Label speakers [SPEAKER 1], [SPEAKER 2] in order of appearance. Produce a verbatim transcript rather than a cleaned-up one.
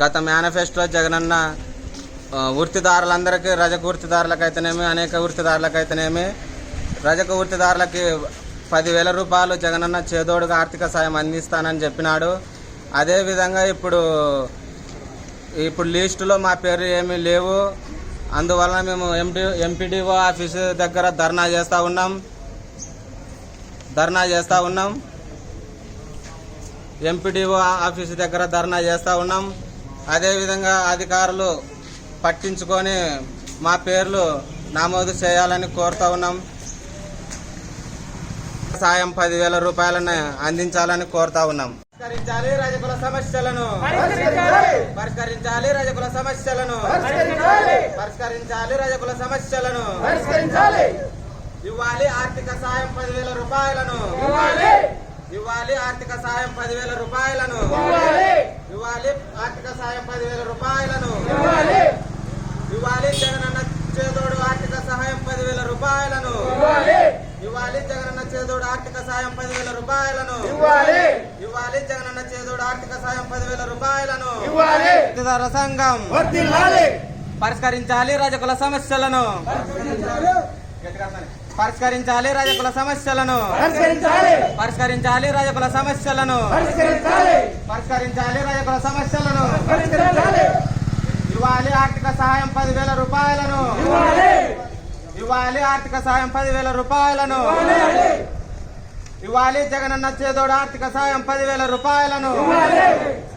[SPEAKER 1] గత మేనిఫెస్టో జగనన్న వృత్తిదారులందరికీ రజక వృత్తిదారులకైతేనేమి అనేక వృత్తిదారులకైతేనేమి రజక వృత్తిదారులకి పదివేల రూపాయలు జగనన్న చేదోడుగా ఆర్థిక సాయం అందిస్తానని చెప్పినాడు. అదేవిధంగా ఇప్పుడు ఇప్పుడు లిస్టులో మా పేరు ఏమీ లేవు. అందువలన మేము ఎంపీ ఎంపీడీఓ ఆఫీసు దగ్గర ధర్నా చేస్తూ ఉన్నాం ధర్నా చేస్తూ ఉన్నాం ఎంపీడీఓ ఆఫీసు దగ్గర ధర్నా చేస్తూ ఉన్నాం అదేవిధంగా అధికారులు పట్టించుకొని మా పేర్లు నమోదు చేయాలని కోరుతూ ఉన్నాం. సాయం పదివేల రూపాయలను అందించాలని కోరుతా ఉన్నాం. పరిష్కరించాలి రజకుల సమస్యలను పరిష్కరించాలి రజకుల సమస్యలను పరిష్కరించాలి రజకుల సమస్యలను ఇవ్వాలి ఆర్థిక సాయం పదివేల రూపాయలను ఇవ్వాలి ఆర్థిక సాయం పదివేల రూపాయలను ఇవ్వాలి ఆర్థిక సాయం పదివేల రూపాయలను ఇవ్వాలి జగనన్న చేదోడు ఆర్థిక సహాయం పదివేల రూపాయలను ఇవ్వాలి జగనన్న చేదోడు ఆర్థిక సాయం పదివేల రూపాయలను ఇవ్వాలి జగనన్న చేదోడు ఆర్థిక సాయం పదివేల రూపాయలను వృత్తిదారుల సంఘం పరిష్కరించాలి రజకుల సమస్యలను పరిష్కరించాలి రజకుల సమస్యలను పరిష్కరించాలి రజకుల సమస్యలను పరిష్కరించాలి రజకుల సమస్యలను ఇవ్వాలి ఆర్థిక సహాయం పదివేల రూపాయలను ఇవ్వాలి ఆర్థిక సాయం పదివేల రూపాయలను ఇవ్వాలి జగనన్న చేదోడు ఆర్థిక సాయం పదివేల రూపాయలను